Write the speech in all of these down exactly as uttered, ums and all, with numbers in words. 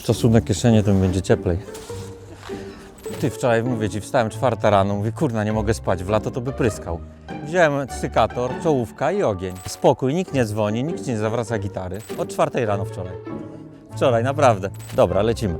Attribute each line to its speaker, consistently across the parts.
Speaker 1: Stosunek kieszenie, to mi będzie cieplej. Ty, wczoraj mówię ci, wstałem czwarta rano, mówię, kurna, nie mogę spać, w lato to by pryskał. Wziąłem cykator, czołówka i ogień. Spokój, nikt nie dzwoni, nikt nie zawraca gitary. Od czwartej rano wczoraj. Wczoraj, naprawdę. Dobra, lecimy.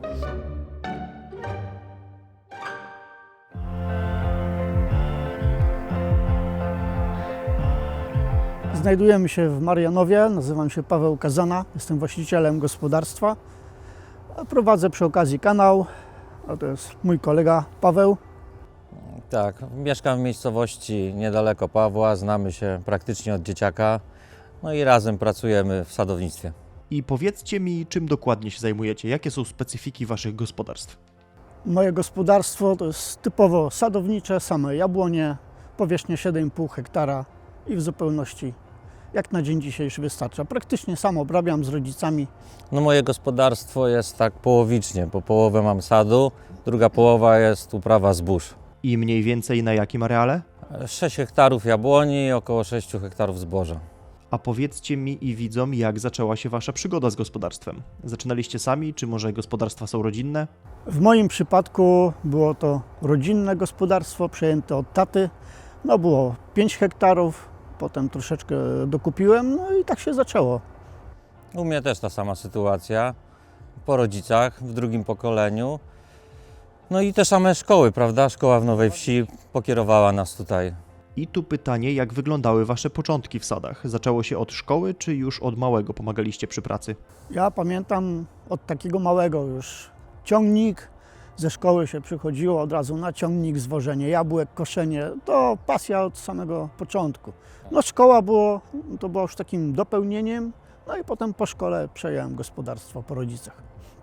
Speaker 2: Znajdujemy się w Marianowie, nazywam się Paweł Kazana, jestem właścicielem gospodarstwa. Prowadzę przy okazji kanał, a to jest mój kolega Paweł.
Speaker 1: Tak, mieszkam w miejscowości niedaleko Pawła, znamy się praktycznie od dzieciaka, no i razem pracujemy w sadownictwie.
Speaker 3: I powiedzcie mi, czym dokładnie się zajmujecie? Jakie są specyfiki waszych gospodarstw?
Speaker 2: Moje gospodarstwo to jest typowo sadownicze, same jabłonie, powierzchnia siedem i pół hektara i w zupełności jak na dzień dzisiejszy wystarcza. Praktycznie sam obrabiam z rodzicami.
Speaker 1: No moje gospodarstwo jest tak połowicznie, bo połowę mam sadu, druga połowa jest uprawa zbóż.
Speaker 3: I mniej więcej na jakim areale?
Speaker 1: sześć hektarów jabłoni i około sześć hektarów zboża.
Speaker 3: A powiedzcie mi i widzom, jak zaczęła się wasza przygoda z gospodarstwem? Zaczynaliście sami, czy może gospodarstwa są rodzinne?
Speaker 2: W moim przypadku było to rodzinne gospodarstwo przejęte od taty. No było pięć hektarów, potem troszeczkę dokupiłem, no i tak się zaczęło.
Speaker 1: U mnie też ta sama sytuacja, po rodzicach, w drugim pokoleniu. No i te same szkoły, prawda? Szkoła w Nowej Wsi pokierowała nas tutaj.
Speaker 3: I tu pytanie, jak wyglądały wasze początki w sadach? Zaczęło się od szkoły, czy już od małego pomagaliście przy pracy?
Speaker 2: Ja pamiętam od takiego małego już ciągnik, ze szkoły się przychodziło od razu na ciągnik, zwożenie jabłek, koszenie, to pasja od samego początku. No szkoła było, to było już takim dopełnieniem, no i potem po szkole przejąłem gospodarstwo po rodzicach.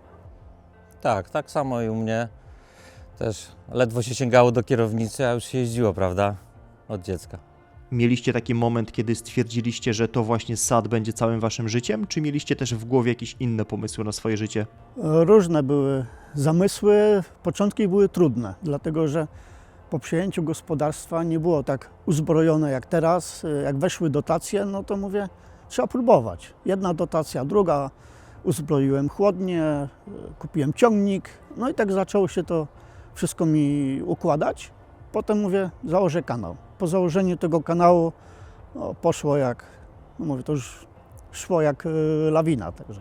Speaker 1: Tak, tak samo i u mnie. Też ledwo się sięgało do kierownicy, a już się jeździło, prawda? Od dziecka.
Speaker 3: Mieliście taki moment, kiedy stwierdziliście, że to właśnie sad będzie całym waszym życiem, czy mieliście też w głowie jakieś inne pomysły na swoje życie?
Speaker 2: Różne były zamysły, początki były trudne, dlatego że po przejęciu gospodarstwa nie było tak uzbrojone jak teraz. Jak weszły dotacje, no to mówię, trzeba próbować. Jedna dotacja, druga, uzbroiłem chłodnie, kupiłem ciągnik, no i tak zaczęło się to wszystko mi układać. Potem mówię, założę kanał. Po założeniu tego kanału no, poszło jak, no mówię, to już szło jak y, lawina. Także.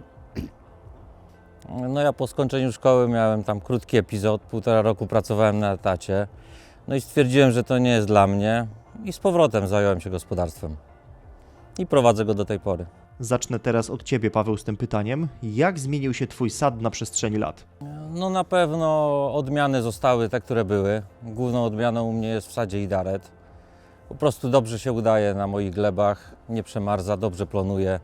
Speaker 1: No ja po skończeniu szkoły miałem tam krótki epizod, półtora roku pracowałem na etacie. No i stwierdziłem, że to nie jest dla mnie i z powrotem zająłem się gospodarstwem. I prowadzę go do tej pory.
Speaker 3: Zacznę teraz od ciebie, Paweł, z tym pytaniem. Jak zmienił się twój sad na przestrzeni lat?
Speaker 1: No na pewno odmiany zostały te, które były. Główną odmianą u mnie jest w sadzie idaret. Po prostu dobrze się udaje na moich glebach, nie przemarza, dobrze plonuje.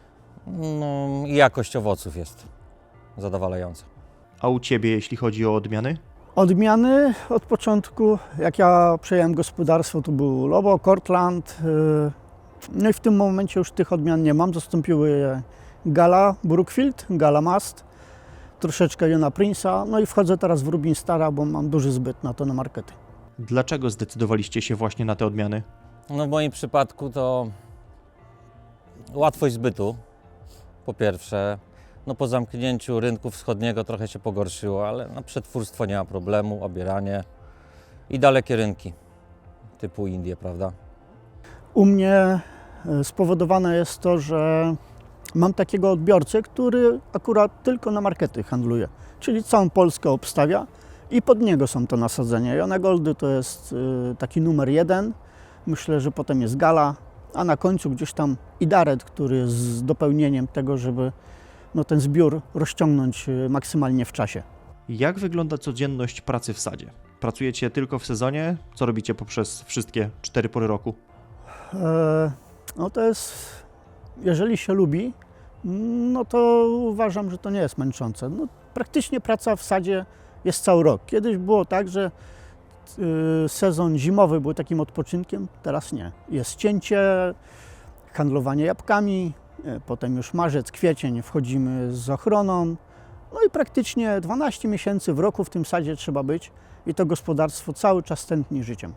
Speaker 1: No i jakość owoców jest zadowalająca.
Speaker 3: A u ciebie, jeśli chodzi o odmiany?
Speaker 2: Odmiany od początku, jak ja przejąłem gospodarstwo, to był Lobo, Cortland. y, No i w tym momencie już tych odmian nie mam. Zastąpiły je Gala Brookfield, Gala Mast, troszeczkę Jona Prince'a. No i wchodzę teraz w Rubin Stara, bo mam duży zbyt na to na markety.
Speaker 3: Dlaczego zdecydowaliście się właśnie na te odmiany?
Speaker 1: No w moim przypadku to łatwość zbytu, po pierwsze. No po zamknięciu rynku wschodniego trochę się pogorszyło, ale na przetwórstwo nie ma problemu, obieranie i dalekie rynki typu Indie, prawda?
Speaker 2: U mnie y, spowodowane jest to, że mam takiego odbiorcę, który akurat tylko na markety handluje, czyli całą Polskę obstawia i pod niego są to nasadzenia. Jona Goldy to jest y, taki numer jeden, myślę, że potem jest Gala, a na końcu gdzieś tam Idaret, który jest z dopełnieniem tego, żeby no, ten zbiór rozciągnąć y, maksymalnie w czasie.
Speaker 3: Jak wygląda codzienność pracy w sadzie? Pracujecie tylko w sezonie? Co robicie poprzez wszystkie cztery pory roku?
Speaker 2: E, no to jest, jeżeli się lubi, no to uważam, że to nie jest męczące. No, praktycznie praca w sadzie jest cały rok. Kiedyś było tak, że y, sezon zimowy był takim odpoczynkiem, teraz nie. Jest cięcie, handlowanie jabłkami, y, potem już marzec, kwiecień wchodzimy z ochroną. No i praktycznie dwanaście miesięcy w roku w tym sadzie trzeba być i to gospodarstwo cały czas tętni życiem.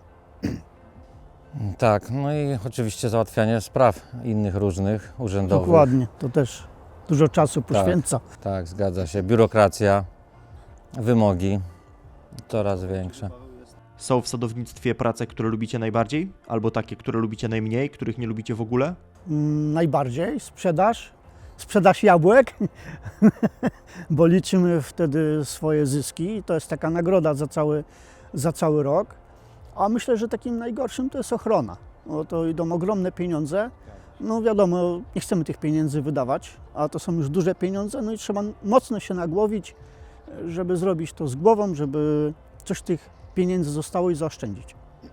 Speaker 1: Tak, no i oczywiście załatwianie spraw innych różnych, urzędowych.
Speaker 2: Dokładnie, to też. dużo czasu poświęca.
Speaker 1: Tak, zgadza się. Biurokracja, wymogi coraz większe.
Speaker 3: Są w sadownictwie prace, które lubicie najbardziej? Albo takie, które lubicie najmniej, których nie lubicie w ogóle?
Speaker 2: Mm, Najbardziej sprzedaż, sprzedaż jabłek, bo liczymy wtedy swoje zyski. To jest taka nagroda za cały, za cały rok. A myślę, że takim najgorszym to jest ochrona. Bo to idą ogromne pieniądze. No wiadomo, nie chcemy tych pieniędzy wydawać, a to są już duże pieniądze, no i trzeba mocno się nagłowić, żeby zrobić to z głową, żeby coś tych pieniędzy zostało i zaoszczędzić.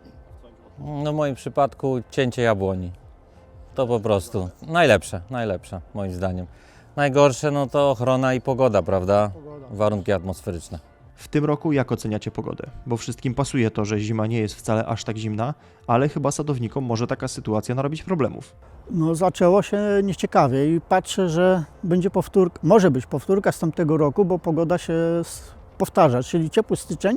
Speaker 1: No w moim przypadku cięcie jabłoni. To po prostu najlepsze, najlepsze moim zdaniem. Najgorsze no to ochrona i pogoda, prawda? Warunki atmosferyczne.
Speaker 3: W tym roku jak oceniacie pogodę? Bo wszystkim pasuje to, że zima nie jest wcale aż tak zimna, ale chyba sadownikom może taka sytuacja narobić problemów.
Speaker 2: No zaczęło się nieciekawie i patrzę, że będzie powtórka, może być powtórka z tamtego roku, bo pogoda się s- powtarza, czyli ciepły styczeń,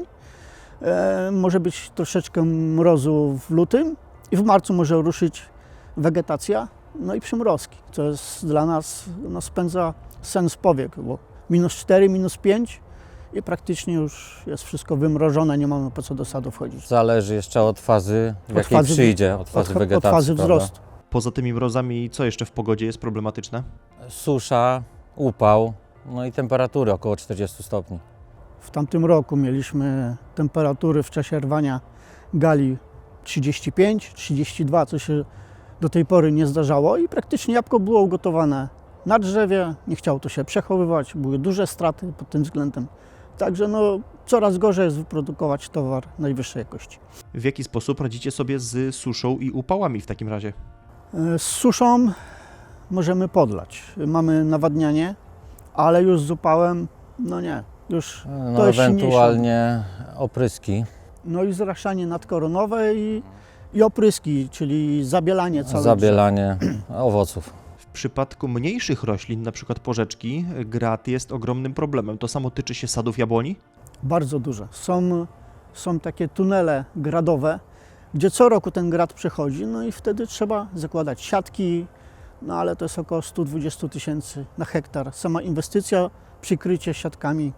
Speaker 2: e, może być troszeczkę mrozu w lutym i w marcu może ruszyć wegetacja, no i przymrozki, co jest dla nas, no spędza sen z powiek, bo minus cztery, minus pięć i praktycznie już jest wszystko wymrożone, nie mamy po co do sadu wchodzić.
Speaker 1: Zależy jeszcze od fazy, w
Speaker 2: Od
Speaker 1: jakiej
Speaker 2: fazy-
Speaker 1: przyjdzie, od fazy
Speaker 2: Od, od
Speaker 1: wegetacji,
Speaker 2: fazy
Speaker 1: prawda?
Speaker 2: wzrostu.
Speaker 3: Poza tymi mrozami, co jeszcze w pogodzie jest problematyczne?
Speaker 1: Susza, upał, no i temperatury około czterdziestu stopni.
Speaker 2: W tamtym roku mieliśmy temperatury w czasie rwania gali trzydzieści pięć, trzydzieści dwa, co się do tej pory nie zdarzało i praktycznie jabłko było ugotowane na drzewie, nie chciało to się przechowywać, były duże straty pod tym względem. Także no, coraz gorzej jest wyprodukować towar najwyższej jakości.
Speaker 3: W jaki sposób radzicie sobie z suszą i upałami w takim razie?
Speaker 2: E, Z suszą możemy podlać. Mamy nawadnianie, ale już z upałem, no nie, już
Speaker 1: No
Speaker 2: to jest silniejsze.
Speaker 1: ewentualnie opryski,
Speaker 2: No i zraszanie nadkoronowe i, i opryski, czyli zabielanie całego
Speaker 1: zabielanie owoców.
Speaker 3: W przypadku mniejszych roślin, na przykład porzeczki, grat jest ogromnym problemem. To samo tyczy się sadów jabłoni?
Speaker 2: drzewa. Bardzo duże. Są, są takie tunele gradowe, gdzie co roku ten grad przechodzi, no i wtedy trzeba zakładać siatki, no ale to jest około sto dwadzieścia tysięcy na hektar. Sama inwestycja, przykrycie siatkami.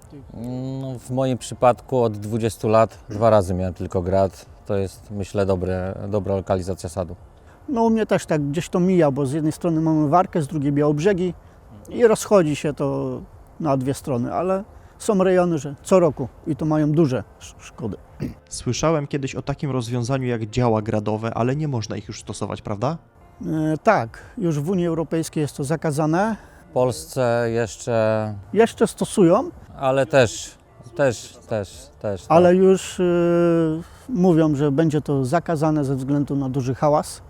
Speaker 1: No, w moim przypadku od dwudziestu lat dwa razy miałem tylko grad. To jest, myślę, dobre, dobra lokalizacja sadu.
Speaker 2: No u mnie też tak gdzieś to mija, bo z jednej strony mamy Warkę, z drugiej Białobrzegi i rozchodzi się to na dwie strony, ale są rejony, że co roku i to mają duże sz- szkody.
Speaker 3: Słyszałem kiedyś o takim rozwiązaniu jak działa gradowe, ale nie można ich już stosować, prawda?
Speaker 2: E, tak, już w Unii Europejskiej jest to zakazane.
Speaker 1: W Polsce jeszcze,
Speaker 2: Jeszcze stosują,
Speaker 1: ale też, też, też, też. tak.
Speaker 2: ale już e, mówią, że będzie to zakazane ze względu na duży hałas.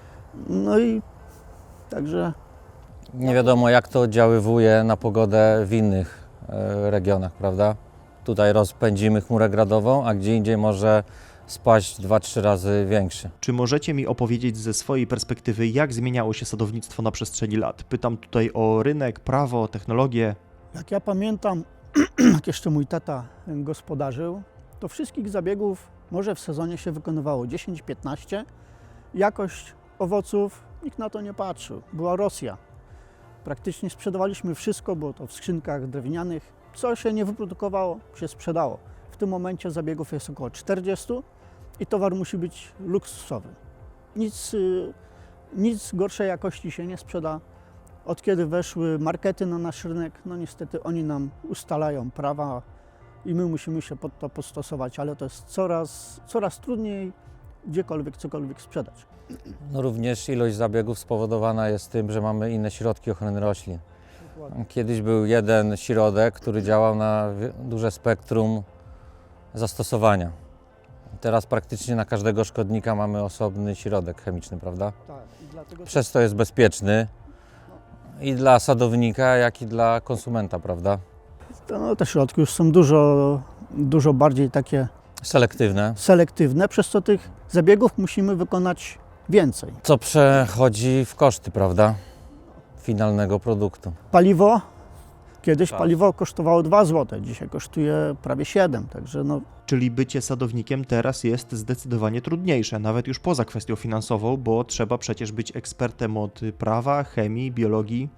Speaker 2: No i także
Speaker 1: Nie wiadomo, jak to oddziaływuje na pogodę w innych e, regionach, prawda? Tutaj rozpędzimy chmurę gradową, a gdzie indziej może spaść dwa trzy razy większy.
Speaker 3: Czy możecie mi opowiedzieć ze swojej perspektywy, jak zmieniało się sadownictwo na przestrzeni lat? Pytam tutaj o rynek, prawo, technologię.
Speaker 2: jak ja pamiętam, jak jeszcze mój tata gospodarzył, to wszystkich zabiegów może w sezonie się wykonywało dziesięć piętnaście. Jakość owoców nikt na to nie patrzył. Była Rosja. Praktycznie sprzedawaliśmy wszystko, było to w skrzynkach drewnianych. Co się nie wyprodukowało, się sprzedało. W tym momencie zabiegów jest około czterdzieści i towar musi być luksusowy. Nic, y, nic gorszej jakości się nie sprzeda. Od kiedy weszły markety na nasz rynek, no niestety oni nam ustalają prawa i my musimy się pod to postosować, ale to jest coraz, coraz trudniej gdziekolwiek cokolwiek sprzedać.
Speaker 1: No również ilość zabiegów spowodowana jest tym, że mamy inne środki ochrony roślin. Kiedyś był jeden środek, który działał na wie- duże spektrum zastosowania. Teraz praktycznie na każdego szkodnika mamy osobny środek chemiczny, prawda?
Speaker 2: Tak, i dlatego
Speaker 1: Przez to jest bezpieczny i dla sadownika, jak i dla konsumenta, prawda?
Speaker 2: to, no, te środki już są dużo, dużo bardziej takie
Speaker 1: Selektywne,
Speaker 2: selektywne, przez co tych zabiegów musimy wykonać więcej.
Speaker 1: co przechodzi w koszty, prawda? Finalnego produktu.
Speaker 2: Paliwo, kiedyś
Speaker 1: Tak.
Speaker 2: paliwo kosztowało dwa złote, dzisiaj kosztuje prawie siedem, także no,
Speaker 3: Czyli bycie sadownikiem teraz jest zdecydowanie trudniejsze, nawet już poza kwestią finansową, bo trzeba przecież być ekspertem od prawa, chemii, biologii.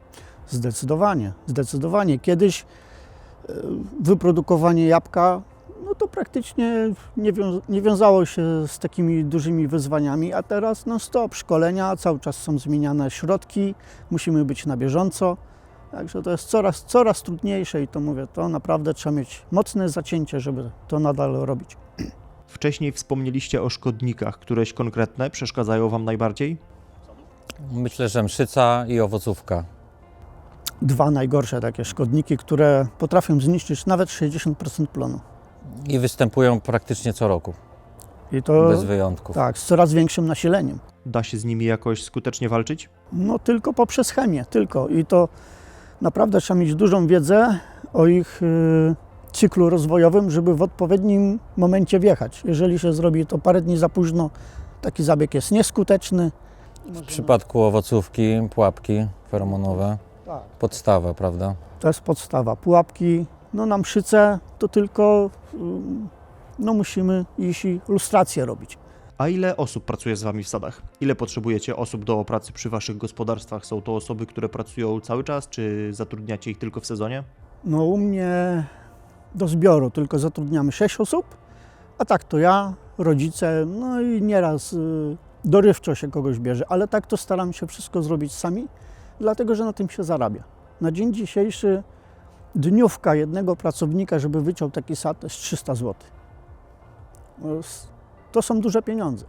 Speaker 2: Zdecydowanie, zdecydowanie. Kiedyś e, wyprodukowanie jabłka, no to praktycznie nie, wią- nie wiązało się z takimi dużymi wyzwaniami, a teraz non stop szkolenia, cały czas są zmieniane środki, musimy być na bieżąco. Także to jest coraz, coraz trudniejsze i to mówię, to naprawdę trzeba mieć mocne zacięcie, żeby to nadal robić.
Speaker 3: Wcześniej wspomnieliście o szkodnikach. Któreś konkretne przeszkadzają Wam najbardziej?
Speaker 1: Myślę, że mszyca i owocówka.
Speaker 2: Dwa najgorsze takie szkodniki, które potrafią zniszczyć nawet sześćdziesiąt procent plonu.
Speaker 1: I występują praktycznie co roku,
Speaker 2: I to
Speaker 1: bez wyjątków.
Speaker 2: tak, z coraz większym nasileniem.
Speaker 3: Da się z nimi jakoś skutecznie walczyć?
Speaker 2: No tylko poprzez chemię, tylko. I to naprawdę trzeba mieć dużą wiedzę o ich y, cyklu rozwojowym, żeby w odpowiednim momencie wjechać. Jeżeli się zrobi to parę dni za późno, taki zabieg jest nieskuteczny.
Speaker 1: W przypadku owocówki, pułapki feromonowe,
Speaker 2: Tak.
Speaker 1: podstawa, prawda?
Speaker 2: To jest podstawa. Pułapki, no na mszyce to tylko y, no musimy iść i lustrację robić.
Speaker 3: A ile osób pracuje z Wami w sadach? Ile potrzebujecie osób do pracy przy Waszych gospodarstwach? Są to osoby, które pracują cały czas, czy zatrudniacie ich tylko w sezonie?
Speaker 2: No u mnie do zbioru tylko zatrudniamy sześć osób, a tak to ja, rodzice, no i nieraz y, dorywczo się kogoś bierze, ale tak to staram się wszystko zrobić sami, dlatego że na tym się zarabia. Na dzień dzisiejszy dniówka jednego pracownika, żeby wyciął taki sad, to jest trzysta złotych. No, s- To są duże pieniądze.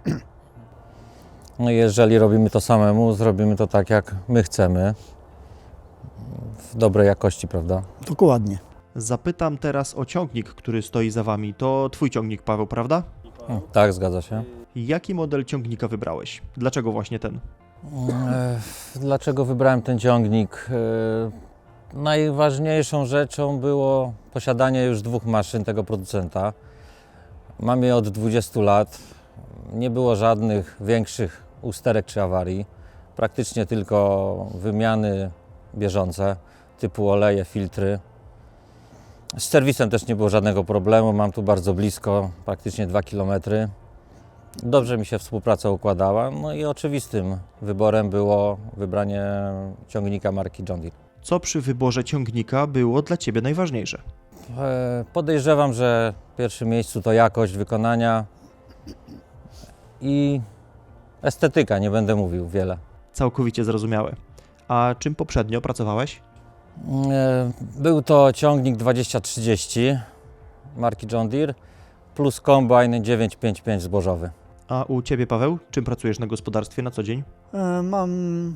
Speaker 1: No i jeżeli robimy to samemu, zrobimy to tak, jak my chcemy, w dobrej jakości, prawda?
Speaker 2: Dokładnie.
Speaker 3: Zapytam teraz o ciągnik, który stoi za Wami. To Twój ciągnik, Paweł, prawda?
Speaker 1: O, tak, zgadza się.
Speaker 3: Jaki model ciągnika wybrałeś? Dlaczego właśnie ten?
Speaker 1: E, Dlaczego wybrałem ten ciągnik? E, Najważniejszą rzeczą było posiadanie już dwóch maszyn tego producenta. Mam je od dwudziestu lat. Nie było żadnych większych usterek czy awarii. Praktycznie tylko wymiany bieżące typu oleje, filtry. Z serwisem też nie było żadnego problemu. Mam tu bardzo blisko, praktycznie dwa kilometry. Dobrze mi się współpraca układała, no i oczywistym wyborem było wybranie ciągnika marki John Deere.
Speaker 3: Co przy wyborze ciągnika było dla Ciebie najważniejsze?
Speaker 1: E, Podejrzewam, że w pierwszym miejscu to jakość wykonania i estetyka, nie będę mówił wiele.
Speaker 3: Całkowicie zrozumiałe. A czym poprzednio pracowałeś?
Speaker 1: E, Był to ciągnik dwadzieścia trzydzieści marki John Deere plus kombajn dziewięćset pięćdziesiąt pięć zbożowy.
Speaker 3: A u Ciebie, Paweł? Czym pracujesz na gospodarstwie na co dzień?
Speaker 2: E, Mam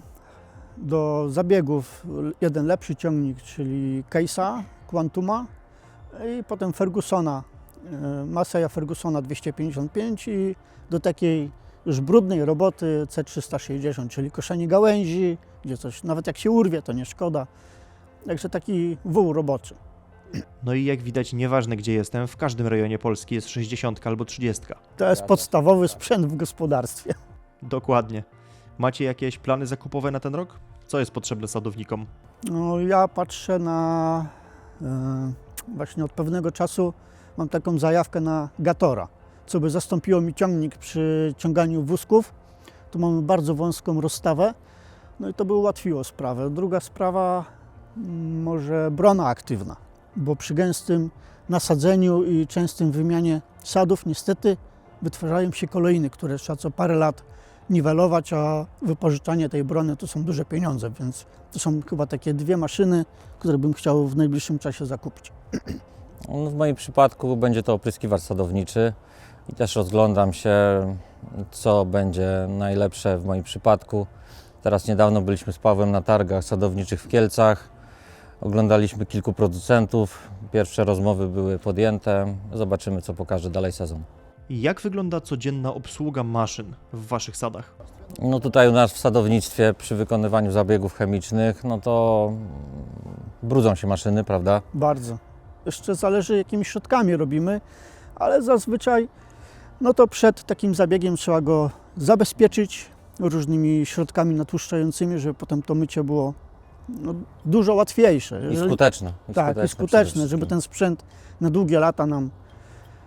Speaker 2: do zabiegów jeden lepszy ciągnik, czyli Case'a, Quantuma i potem Fergusona, e, Massey'a Fergusona dwieście pięćdziesiąt pięć i do takiej już brudnej roboty C trzysta sześćdziesiąt, czyli koszenie gałęzi, gdzie coś, nawet jak się urwie, to nie szkoda. Także taki wół roboczy.
Speaker 3: No i jak widać, nieważne gdzie jestem, w każdym rejonie Polski jest sześćdziesiątka albo trzydziestka.
Speaker 2: To jest podstawowy sprzęt w gospodarstwie.
Speaker 3: Dokładnie. Macie jakieś plany zakupowe na ten rok? Co jest potrzebne sadownikom?
Speaker 2: No, ja patrzę na, e, właśnie od pewnego czasu mam taką zajawkę na Gatora, co by zastąpiło mi ciągnik przy ciąganiu wózków. Tu mamy bardzo wąską rozstawę, no i to by ułatwiło sprawę. Druga sprawa, mm, może brona aktywna, bo przy gęstym nasadzeniu i częstym wymianie sadów niestety wytwarzają się kolejny, które trzeba co parę lat niwelować, a wypożyczanie tej brony to są duże pieniądze, więc to są chyba takie dwie maszyny, które bym chciał w najbliższym czasie zakupić.
Speaker 1: No, w moim przypadku będzie to opryskiwacz sadowniczy i też rozglądam się, co będzie najlepsze w moim przypadku. Teraz niedawno byliśmy z Pawłem na targach sadowniczych w Kielcach. Oglądaliśmy kilku producentów. Pierwsze rozmowy były podjęte. Zobaczymy, co pokaże dalej sezon.
Speaker 3: Jak wygląda codzienna obsługa maszyn w Waszych sadach?
Speaker 1: No tutaj u nas w sadownictwie przy wykonywaniu zabiegów chemicznych, no to brudzą się maszyny, prawda?
Speaker 2: Bardzo. Jeszcze zależy, jakimi środkami robimy, ale zazwyczaj no to przed takim zabiegiem trzeba go zabezpieczyć różnymi środkami natłuszczającymi, żeby potem to mycie było no, dużo łatwiejsze.
Speaker 1: I
Speaker 2: Jeżeli-
Speaker 1: skuteczne. I
Speaker 2: Tak, i
Speaker 1: przede
Speaker 2: skuteczne,
Speaker 1: wszystkim.
Speaker 2: żeby ten sprzęt na długie lata nam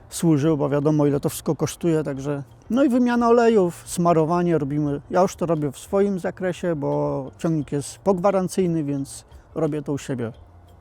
Speaker 2: służył, bo wiadomo ile to wszystko kosztuje, także no i wymiana olejów, smarowanie robimy. Ja już to robię w swoim zakresie, bo ciągnik jest pogwarancyjny, więc robię to u siebie.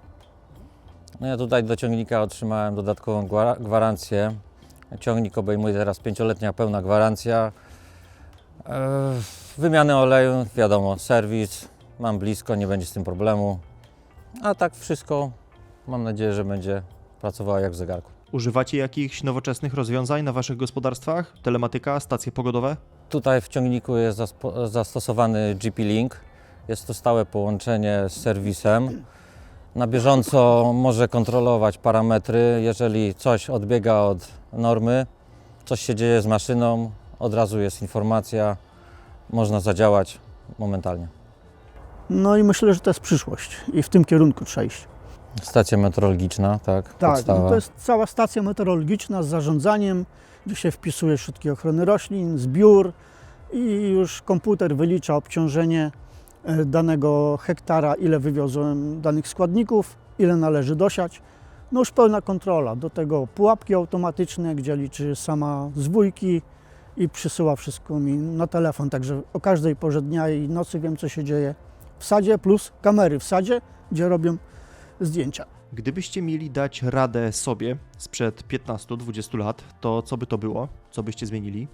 Speaker 1: No ja tutaj do ciągnika otrzymałem dodatkową gwara- gwarancję. Ciągnik obejmuje teraz pięcioletnia pełna gwarancja. Eee, wymianę oleju, wiadomo, serwis, mam blisko, nie będzie z tym problemu. A tak wszystko, mam nadzieję, że będzie pracowało jak w zegarku.
Speaker 3: Używacie jakichś nowoczesnych rozwiązań na waszych gospodarstwach? Telematyka, stacje pogodowe?
Speaker 1: Tutaj w ciągniku jest zaspo- zastosowany G P Link. Jest to stałe połączenie z serwisem. Na bieżąco może kontrolować parametry. Jeżeli coś odbiega od normy, coś się dzieje z maszyną, od razu jest informacja, można zadziałać momentalnie.
Speaker 2: No i myślę, że to jest przyszłość i w tym kierunku trzeba iść.
Speaker 1: Stacja meteorologiczna, tak,
Speaker 2: Tak,
Speaker 1: podstawa.
Speaker 2: no to jest cała stacja meteorologiczna z zarządzaniem, gdzie się wpisuje środki ochrony roślin, zbiór i już komputer wylicza obciążenie e, danego hektara, ile wywiozłem danych składników, ile należy dosiać. No już pełna kontrola. Do tego pułapki automatyczne, gdzie liczy sama zwójki i przysyła wszystko mi na telefon, także o każdej porze dnia i nocy wiem, co się dzieje w sadzie, plus kamery w sadzie, gdzie robią zdjęcia.
Speaker 3: Gdybyście mieli dać radę sobie sprzed piętnastu dwudziestu lat, to co by to było? Co byście zmienili?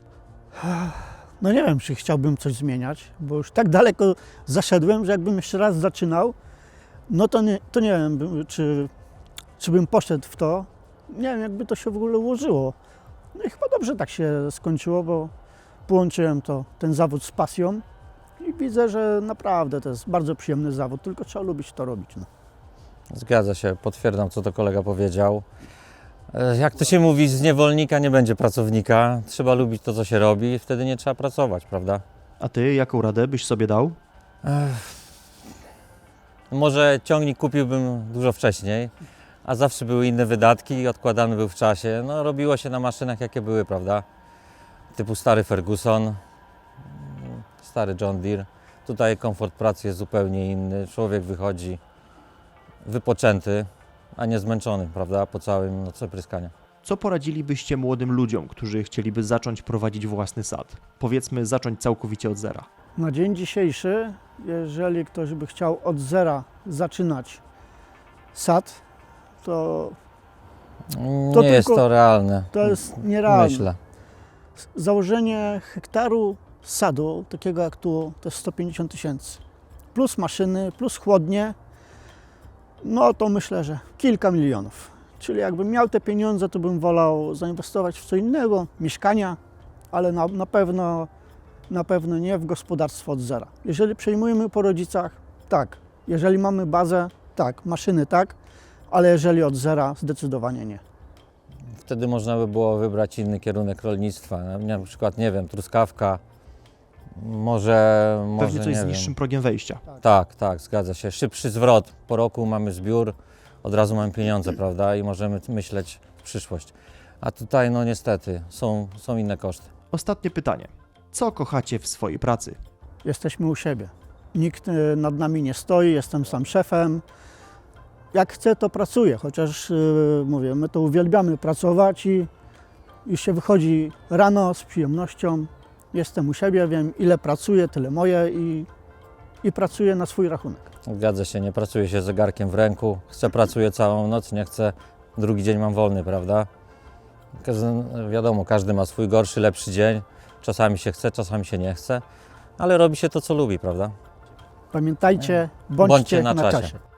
Speaker 2: No nie wiem, czy chciałbym coś zmieniać, bo już tak daleko zaszedłem, że jakbym jeszcze raz zaczynał, no to nie, to nie wiem, by- czy, czy bym poszedł w to. Nie wiem, jakby to się w ogóle ułożyło. No i chyba dobrze tak się skończyło, bo połączyłem to, ten zawód z pasją i widzę, że naprawdę to jest bardzo przyjemny zawód, tylko trzeba lubić to robić. No.
Speaker 1: Zgadza się, potwierdzam, co to kolega powiedział. E, Jak to się mówi, z niewolnika nie będzie pracownika. Trzeba lubić to, co się robi, wtedy nie trzeba pracować, prawda?
Speaker 3: A ty jaką radę byś sobie dał?
Speaker 1: Może ciągnik kupiłbym dużo wcześniej, a zawsze były inne wydatki i odkładany był w czasie. No, robiło się na maszynach, jakie były, prawda? Typu stary Ferguson, stary John Deere. Tutaj komfort pracy jest zupełnie inny. Człowiek wychodzi wypoczęty, a nie zmęczony, prawda? Po całym nocy pryskania.
Speaker 3: Co poradzilibyście młodym ludziom, którzy chcieliby zacząć prowadzić własny sad? Powiedzmy, zacząć całkowicie od zera.
Speaker 2: Na dzień dzisiejszy, jeżeli ktoś by chciał od zera zaczynać sad, to
Speaker 1: Nie
Speaker 2: To
Speaker 1: jest
Speaker 2: tylko-
Speaker 1: to realne,
Speaker 2: to jest nierealne.
Speaker 1: myślę.
Speaker 2: Założenie hektaru sadu, takiego jak tu, to jest sto pięćdziesiąt tysięcy. Plus maszyny, plus chłodnie, no to myślę, że kilka milionów. Czyli jakbym miał te pieniądze, to bym wolał zainwestować w co innego, mieszkania, ale na, na, pewno, na pewno nie w gospodarstwo od zera. Jeżeli przejmujemy po rodzicach, tak. Jeżeli mamy bazę, tak. Maszyny, tak. Ale jeżeli od zera, zdecydowanie nie.
Speaker 1: Wtedy można by było wybrać inny kierunek rolnictwa. Na na przykład, nie wiem, truskawka, może, może
Speaker 3: Pewnie coś
Speaker 1: nie
Speaker 3: z
Speaker 1: wiem.
Speaker 3: niższym progiem wejścia.
Speaker 1: Tak, tak, zgadza się. Szybszy zwrot. Po roku mamy zbiór, od razu mamy pieniądze, prawda? I możemy myśleć w przyszłość. A tutaj, no niestety, są, są inne koszty.
Speaker 3: Ostatnie pytanie. Co kochacie w swojej pracy?
Speaker 2: Jesteśmy u siebie. Nikt y, nad nami nie stoi, jestem sam szefem. Jak chcę, to pracuję, chociaż y, mówię, my to uwielbiamy pracować i już się wychodzi rano z przyjemnością. Jestem u siebie, wiem ile pracuję, tyle moje i, i pracuję na swój rachunek.
Speaker 1: Zgadza się, nie pracuje się z zegarkiem w ręku. Chcę, pracuję całą noc, nie chcę, drugi dzień mam wolny, prawda? Każdy, wiadomo, każdy ma swój gorszy, lepszy dzień. Czasami się chce, czasami się nie chce, ale robi się to, co lubi, prawda?
Speaker 2: Pamiętajcie, bądźcie,
Speaker 1: Bądźcie na
Speaker 2: na
Speaker 1: czasie.
Speaker 2: czasie.